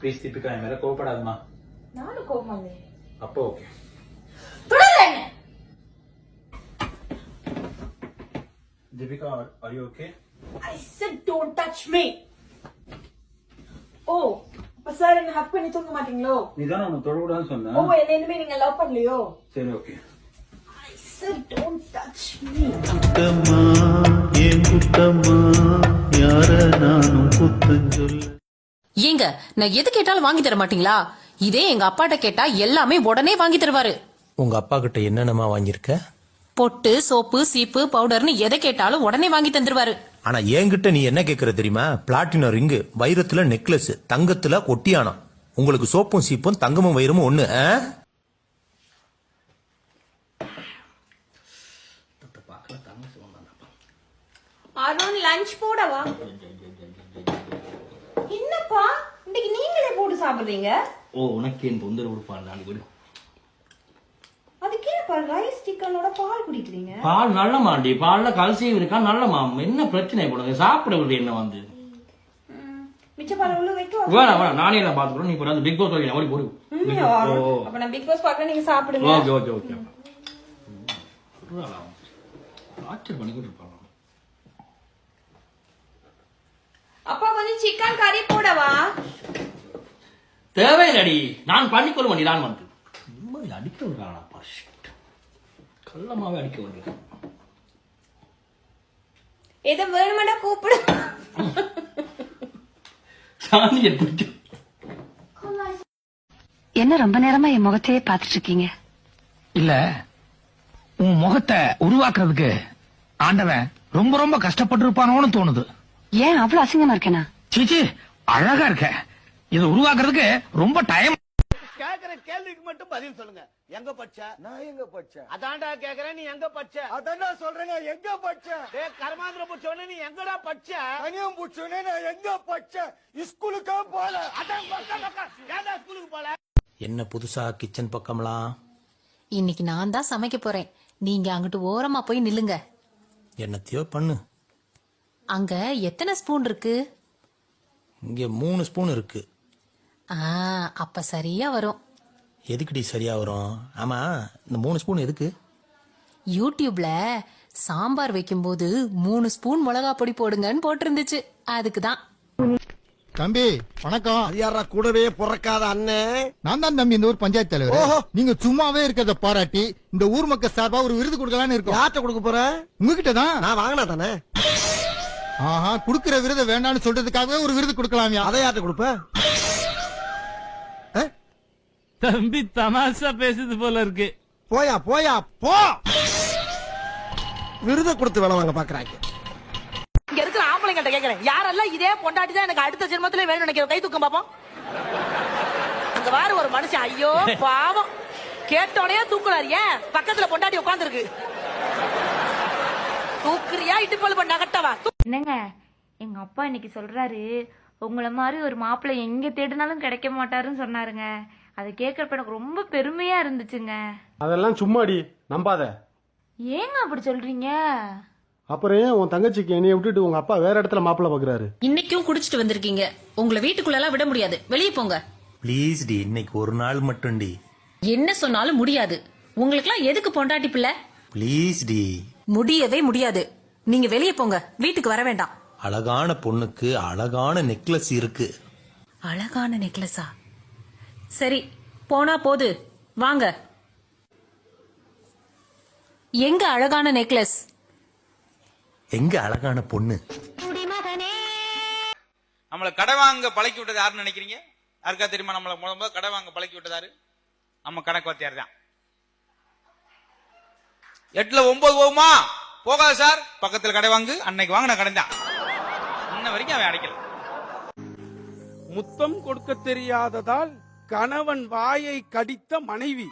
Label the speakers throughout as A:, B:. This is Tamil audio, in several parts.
A: ப்ளீஸ் தீபிகா என் மேல கோவப்படாதமா.
B: நானும் கோவமா இல்லை.
A: அப்போ okay. Deepika, are you okay?
B: I said don't touch me. Oh, அப்ப சார் என்ன ஹக் பண்ணி தூங்க மாட்டீங்களோ?
A: நீ தான உன்னை தொடக்கூடாதுன்னு சொன்ன.
B: ஓ, என்ன இனிமே நீங்க லவ் பண்ணலையோ?
A: சரி okay.
B: I said don't touch me.
C: குத்தம்மா ஏன் குத்தம்மா யார நானும் குத்தம் சொல்ல.
D: ஏங்க நான் எது கேட்டாலும் வாங்கி தர மாட்டீங்களா? இதே எங்க அப்பாட்ட கேட்டா எல்லாமே உடனே வாங்கி தருவாரு.
E: உங்க அப்பா கிட்ட என்னென்னமா வாங்கியிருக்க?
D: பொட்டு, சோப்பு, சீப்பு, பவுடர்னு எதை கேட்டாலும் உடனே வாங்கி தந்துருவாரு.
E: ஆனா என்கிட்ட நீ என்ன கேக்குற தெரியுமா? பிளாட்டினம் ரிங்கு, வைரத்துல நெக்லஸ், தங்கத்துல ஒட்டியானம். உங்களுக்கு சோப்பும் சீப்பும் தங்கமும் வைரமும் ஒண்ணு.
B: அருண் லஞ்ச் போடவா? என்னப்பா இன்னைக்கு நீங்களே போட்டு சாப்பிடுறீங்க?
F: ஓ, உனக்கு என் தொந்தரவு கொடுப்பான் நாளைக்கு விடு.
B: அதுக்கேப்பா ரைஸ் சிக்கனோட பால் குடிக்கிறீங்க?
F: பால் நல்லமாண்டி, பால்ல கல்சியம் இருக்கா, நல்லமா. என்ன பிரச்சனை போடுங்க, சாப்பிட விடு. என்ன வந்து
B: மிச்ச பால் உள்ள வைக்க
F: வேணாம் வேணாம், நானே நான் பாத்துக்கிறோம். நீ போற பிக் பாஸ் ஓடி போடு.
B: அப்ப நான் பிக் பாஸ் பாக்குறேன், நீங்க சாப்பிடுங்க.
F: Okay okay okay. ஆச்சர் பண்ணிக்கிட்டு இருப்பாங்க.
B: அப்பா கொஞ்சம் சிக்கன் கறி போடவா?
F: தேவையில்லடி, நான் பண்ணிக்கொள்ள வேண்டி. நான் வந்து நிம்மதி அடிக்க விடுறானா பர்ஷிட் கள்ளமாவே அடிக்க வேண்டியது.
B: எதை வேணுமெண்டா கூப்பிடு.
F: சாந்தியை பிடிக்கும்.
G: என்ன ரொம்ப நேரமா என் முகத்தையே பாத்துட்டு இருக்கீங்க?
H: இல்ல, உன் முகத்தை உருவாக்குறதுக்கு ஆண்டவன் ரொம்ப ரொம்ப கஷ்டப்பட்டு இருப்பானோன்னு தோணுது.
G: ஏன் அவ்வளவு அசிங்கமா இருக்கேனா?
H: சீச்சி, அழகா இருக்க. இதை உருவாக்குறதுக்கு ரொம்ப டைம்.
I: கேக்குற கேள்விக்கு மட்டும் பதில் சொல்லுங்க. எங்க பச்ச? நான் எங்க பச்ச? அதான்டா கேக்குறேன், நீ எங்க பச்ச? அதான்டா சொல்றேன், நான் எங்க பச்ச? டேய் கர்மாந்திர புச்சோனே நீ எங்கடா பச்ச? கனியம் புச்சோனே நான் எங்க பச்ச? ஸ்கூலுக்கு போல. அதான் பக்க ஏன்டா ஸ்கூலுக்கு போல?
E: என்ன புதுசா கிச்சன் பக்கம்லாம்?
D: இன்னைக்கு நான் தான் சமைக்க போறேன். நீங்க அங்கிட்டு ஓரமா போய் நில்லுங்க.
E: என்னத்தையோ பண்ணு.
D: அங்க எத்தனை ஸ்பூன் இருக்கு?
E: இங்க 3 ஸ்பூன் இருக்கு.
D: அப்ப சரியா வரும்.
E: எதுக்குடி சரியா வரும்? ஆமா, இந்த 3 ஸ்பூன் எதுக்கு?
D: யூடியூப்ல சாம்பார் வைக்கும்போது 3 ஸ்பூன் மிளகா பொடி போடுங்கன்னு போட்டிருந்துச்சு, அதுக்குதான்.
J: தம்பி வணக்கம்.
I: யாரா கூடவே பிறக்காத அண்ணன்?
J: நான் தான் தம்பி, இந்த ஊர் பஞ்சாயத்து தலைவர். நீங்க சும்மாவே இருக்கிறத பாராட்டி இந்த ஊர் மக்கள் சார்பா ஒரு விருது கொடுக்கலான்னு இருக்கோம்.
I: யார்கிட்ட கொடுக்க போற?
J: உங்ககிட்ட தான்.
I: நான் வாங்கினா தானே.
J: ஆஹா, குடுக்கிற விருதை வேண்டாம்னு சொல்றதுக்காகவே ஒரு விருது கொடுக்கலாமியா?
I: அதை யார்கிட்ட கொடுப்ப?
H: தம்பி தமாஷா பேசுது போல இருக்கு.
I: போயா போயா போ. விருதை கொடுத்து வேலை வாங்க பாக்குறாங்க.
D: இங்க இருக்கிற ஆம்பளைங்கிட்ட கேக்குறேன், யாரெல்லாம் இதே பொண்டாட்டி தான் எனக்கு அடுத்த ஜென்மத்திலே வேணும்னு நினைக்கிற கை தூக்கம் பாப்போம். அங்க வாரு ஒரு மனுஷன், ஐயோ பாவம், கேட்டோடனே தூக்குறாரு. ஏன் பக்கத்துல பொண்டாட்டி உட்கார்ந்து இருக்கு, தூக்குறியா இடுப்பல் பண்ண கட்டவா?
K: என்னங்க, எங்க அப்பா இன்னைக்கு சொல்றாரு, உங்களை மாதிரி ஒரு மாப்பிள்ளை எங்க தேடினாலும் கிடைக்க மாட்டாருன்னு சொன்னாருங்க. அதை கேட்கறப்ப எனக்கு ரொம்ப பெருமையா இருந்துச்சுங்க.
L: அதெல்லாம் சும்மாடி, நம்பாத.
K: ஏங்க அப்படி சொல்றீங்க?
L: அப்புறம் ஏன் உன் தங்கச்சிக்கு என்னைய விட்டுட்டு உங்க அப்பா வேற இடத்துல மாப்பிள்ள பாக்குறாரு?
D: இன்னைக்கும் குடிச்சிட்டு வந்திருக்கீங்க, உங்களை வீட்டுக்குள்ள எல்லாம் விட முடியாது, வெளியே போங்க.
E: ப்ளீஸ் டி, இன்னைக்கு ஒரு நாள் மட்டும் டி.
D: என்ன சொன்னாலும் முடியாது. உங்களுக்குலாம் எதுக்கு பொண்டாட்டி பிள்ளை?
E: ப்ளீஸ் டி.
D: முடியவே முடியாது. நீங்க வெளியே போங்க, வீட்டுக்கு வர வேண்டாம்.
E: அழகான பொண்ணுக்கு அழகான நெக்லஸ் இருக்கு.
D: அழகான நெக்லஸா? சரி, போனா போது, வாங்க. எங்க அழகான நெக்லஸ்?
E: எங்க அழகான பொண்ணு?
M: நம்மளை கடை வாங்க பழக்கி விட்டது யாருன்னு நினைக்கிறீங்க? யாருக்கா தெரியுமா? நம்மளை முதல்ல கடை வாங்க பழக்கி விட்டதாரு நம்ம கணக்கு வாத்தியார் தான். 8ல 9 போகுமா? போகாது சார், பக்கத்துல கடை வாங்கு. அன்னைக்கு வாங்கின கடை தான் இன்ன வரைக்கும் அவன் அடைக்கல.
I: முத்தம் கொடுக்க தெரியாததால் கணவன் வாயை கடித்த மனைவி.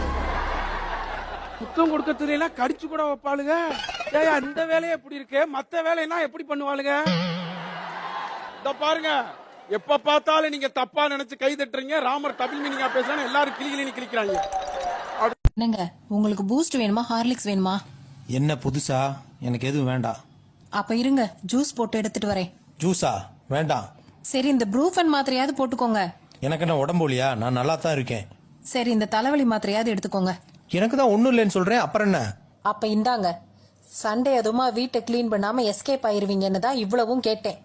I: முத்தம் கொடுக்க தெரியல, கடிச்சு கூட வைப்பாளுங்க. இந்த வேலையை எப்படி இருக்கு, மத்த வேலையெல்லாம் எப்படி பண்ணுவாளுங்க? இத பாருங்க, எப்ப பார்த்தாலும் நீங்க தப்பா நினைச்சு கை தட்டுறீங்க. ராமர் டபுள் மீனிங்கா பேசுறாங்க, எல்லாரும் கிளிகிளின்னு கிளிக்கிறாங்க.
D: என்னங்க, உங்களுக்கு பூஸ்ட் வேணுமா, ஹார்லிக்ஸ் வேணுமா?
E: என்ன புதுசா? எனக்கு எதுவும் வேண்டாம்.
D: அப்ப இருங்க, ஜூஸ் போட்டு எடுத்துட்டு வரேன்.
E: ஜூஸா? வேண்டாம்.
D: சரி, இந்த ப்ரூஃபன் மாத்திரையாவது போட்டுக்கோங்க.
E: எனக்கு என்ன உடம்புலியா? நான் நல்லா தான் இருக்கேன்.
D: சரி, இந்த தலைவலி மாத்திரையாவது எடுத்துக்கோங்க.
E: எனக்கு தான் ஒண்ணும் இல்லைன்னு சொல்றேன், அப்புறம் என்ன?
D: அப்ப இந்தாங்க. சண்டே அதுமா வீட்டை கிளீன் பண்ணாம எஸ்கேப் ஆயிருவீங்கன்னு தான் இவ்வளவும் கேட்டேன்.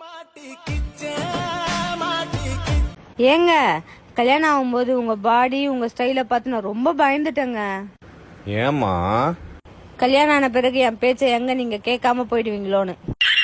K: ஏங்க கல்யாணம் ஆகும்போது உங்க பாடி உங்க ஸ்டைல பார்த்து நான் ரொம்ப பயந்துட்டேங்க.
I: ஏமா?
K: கல்யாணம் ஆன பிறகு என் பேச்சை எங்க நீங்க கேட்காம போயிடுவீங்களோன்னு.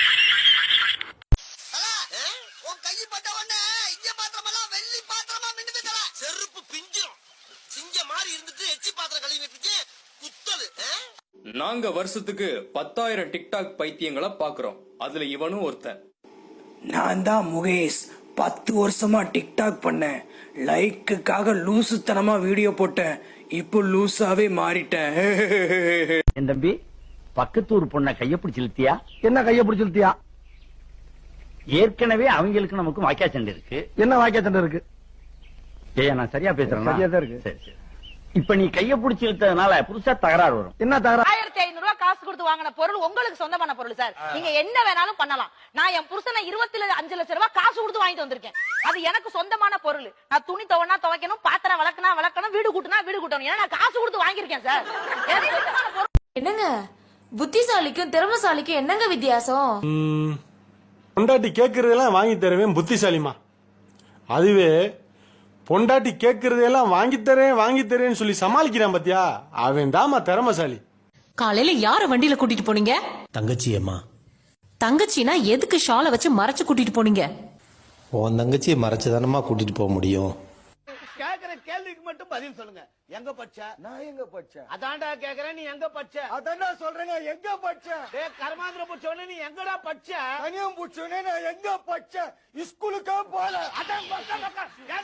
N: நாங்க வருஷத்துக்கு 10,000 டிக்டாக் பைத்தியங்களை பாக்குறோம். அதுல இவனும் ஒருத்தன்.
O: நான் தான் முகேஷ். 10 வருஷமா டிக்டாக் பண்ணேன். லைக்குக்காக லூசுத்தனமா வீடியோ போட்டேன். இப்போ லூசாவே மாறிட்டேன்.
H: என் தம்பி, பக்கத்தூர் பொண்ண கைய பிடிச்சு இழுத்தியா? என்ன கைய பிடிச்சு இழுத்தியா? ஏற்கனவே அவங்களுக்கு நமக்கு வாக்கியா சண்டை இருக்கு. என்ன வாக்கியா சண்டை இருக்கு? ஏய், நான் சரியா பேசுறேன்? சரியா தான் இருக்கு. சரி சரி. இப்ப நீ கைய பிடிச்சு இழுத்ததுனால புதுசா தகராறு வரும். என்ன தகராறு?
D: 1500 ரூபாய் காசு கொடுத்து வாங்கின பொருள் உங்களுக்கு சொந்தமான பொருள் சார். நீங்க என்ன வேணாலும் பண்ணலாம். நான் என் புருஷனை 25 லட்சம் ரூபாய் காசு கொடுத்து வாங்கிட்டு வந்திருக்கேன். அது எனக்கு சொந்தமான பொருள். நான் துணி துவனா துவைக்கணும், பாத்திரம் வளர்க்கணும், வீடு கூட்டினா வீடு கூட்டணும். ஏன்னா நான் காசு கொடுத்து வாங்கியிருக்கேன் சார்.
K: என்னங்க புத்திசாலிக்கும் திறமசாலிக்கும் என்னங்க வித்தியாசம்?
L: பொண்டாட்டி கேட்கறதெல்லாம் வாங்கி தருவேன் புத்திசாலிமா. அதுவே பொண்டாட்டி கேட்கறதெல்லாம் வாங்கி தரேன்னு சொல்லி சமாளிக்கிறான் பாத்தியா, அவன் தாமா திறமசாலி.
D: காலையில யார வண்டியில கூட்டிட்டு போனீங்க?
E: தங்கச்சி அம்மா.
D: தங்கச்சினா எதுக்கு ஷாலை வச்சு மறைச்சு கூட்டிட்டு போனீங்க?
E: உன் தங்கச்சியை மறைச்சுதானமா கூட்டிட்டு போக முடியும்.
I: கேக்குற கேள்விக்கு மட்டும் பதில் சொல்லுங்க. எங்க பச்ச? நான் எங்க பச்ச? அதான்டா கேக்குறேன், நீ எங்க பச்ச? அதான்டா சொல்றேன், எங்க பச்ச? டேய் கர்மாந்திர புச்சவனே, நீ எங்கடா பச்ச? கனியம் புச்சவனே, நான் எங்க பச்ச? ஸ்கூலுக்கே போல. அதான்